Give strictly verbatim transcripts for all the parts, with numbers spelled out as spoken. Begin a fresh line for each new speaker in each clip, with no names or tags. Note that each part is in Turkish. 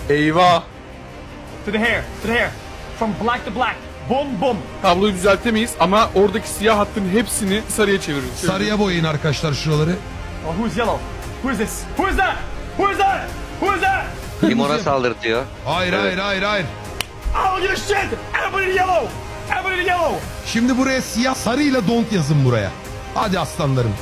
Eyvah.
To the hair, to the hair. From black to black. Boom, boom.
Tabloyu düzeltemeyiz ama oradaki siyah hattın hepsini sarıya çeviririz.
Sarıya boyayın arkadaşlar şuraları.
Oh, who's yellow? Who is this? Who is that? Who is that? Who is that?
Limona saldırtıyor.
Hayır hayır hayır hayır.
Oh, you shit! Everybody yellow! Everybody yellow!
Şimdi buraya siyah sarıyla don't yazın buraya. Hadi aslanlarım.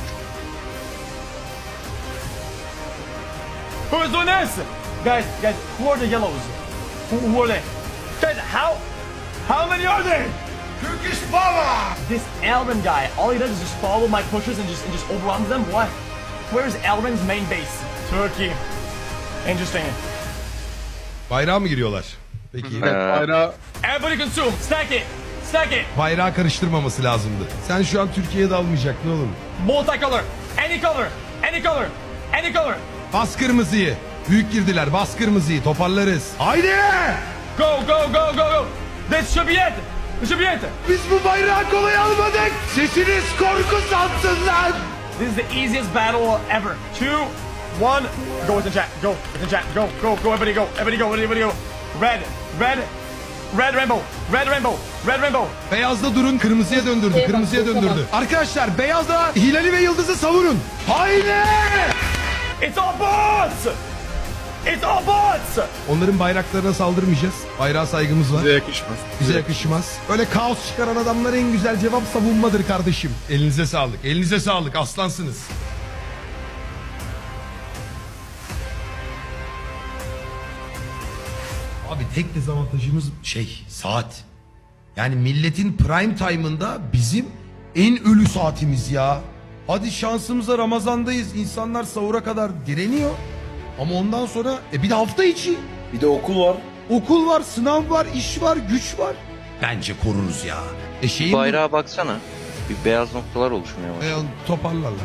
Who is doing this? Guys, guys, who are the yellows? Who, who are they? Guys, how? How many are there?
Turkish Baba!
This Elrin guy, all he does is just follow my pushes and just and just overruns them. What? Where's Elrin's main base? Turkey. Interesting.
Bayrağa mı giriyorlar? Peki.
Evet, bayrağı
Everybody consume. Stack it. Stack it.
Bayrağı karıştırmaması lazımdı. Sen şu an Türkiye'ye dalmayacak ne olur.
Multicolor. Any color. Any color. Any color.
Bas kırmızıyı. Büyük girdiler. Bas kırmızıyı. Toparlarız. Haydi!
Go, go, go, go, go. This should be it. This should be it.
Biz bu bayrağı kolay almadık. Sesiniz korku sansınlar.
This is the easiest battle ever. Two, one. Go with the chat. Go with the chat. Go, go, go. Everybody go. Everybody go. Everybody go. Red, red, red rainbow. Red rainbow. Red rainbow.
Beyazda durun. Kırmızıya döndürdü. Kırmızıya döndürdü. Arkadaşlar beyazda Hilal'i ve Yıldız'ı savurun. Haydi!
It's all bots. It's all bots.
Onların bayraklarına saldırmayacağız. Bayrağa saygımız var.
bize yakışmaz.
Bize yakışmaz. Öyle kaos çıkaran adamlara en güzel cevap savunmadır kardeşim. Elinize sağlık. Elinize sağlık. Aslansınız. Abi tek dezavantajımız şey saat. Yani milletin prime time'ında bizim en ölü saatimiz ya. Hadi şansımıza Ramazan'dayız. İnsanlar sahura kadar direniyor. Ama ondan sonra e bir de hafta içi.
Bir de okul var.
Okul var, sınav var, iş var, güç var. Bence koruruz ya. E şeyin
Bayrağa baksana. Bir beyaz noktalar oluşmaya başladı.
E, toparlarlar.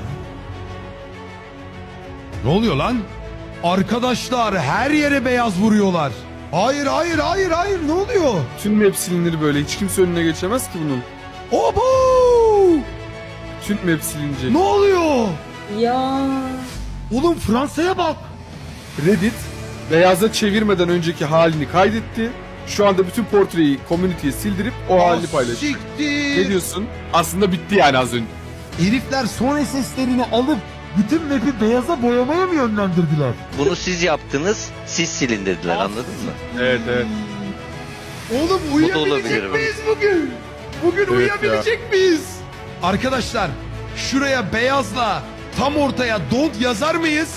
Ne oluyor lan? Arkadaşlar her yere beyaz vuruyorlar. Hayır, hayır, hayır, hayır. Ne oluyor?
Tüm map silinir böyle. Hiç kimse önüne geçemez ki bunun.
Obo!
Tüm map silinecek.
Ne oluyor?
Ya.
Oğlum Fransa'ya bak.
Reddit beyaza çevirmeden önceki halini kaydetti. Şu anda bütün portreyi community'ye sildirip o halini paylaşacak.
Siktir.
Ne diyorsun? Aslında bitti yani az önce.
Herifler son S S'lerini alıp bütün map'i beyaza boyamaya mı yönlendirdiler?
Bunu siz yaptınız, siz silin dediler, anladın mı?
Evet evet.
Oğlum
da
uyuyabilecek
olabilir
miyiz bugün? Bugün
Evet
uyuyabilecek miyiz? Arkadaşlar şuraya beyazla tam ortaya don't yazar mıyız?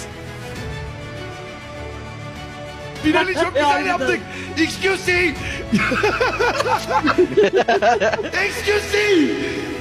Finali çok güzel yaptık. Excuse me. Excuse me.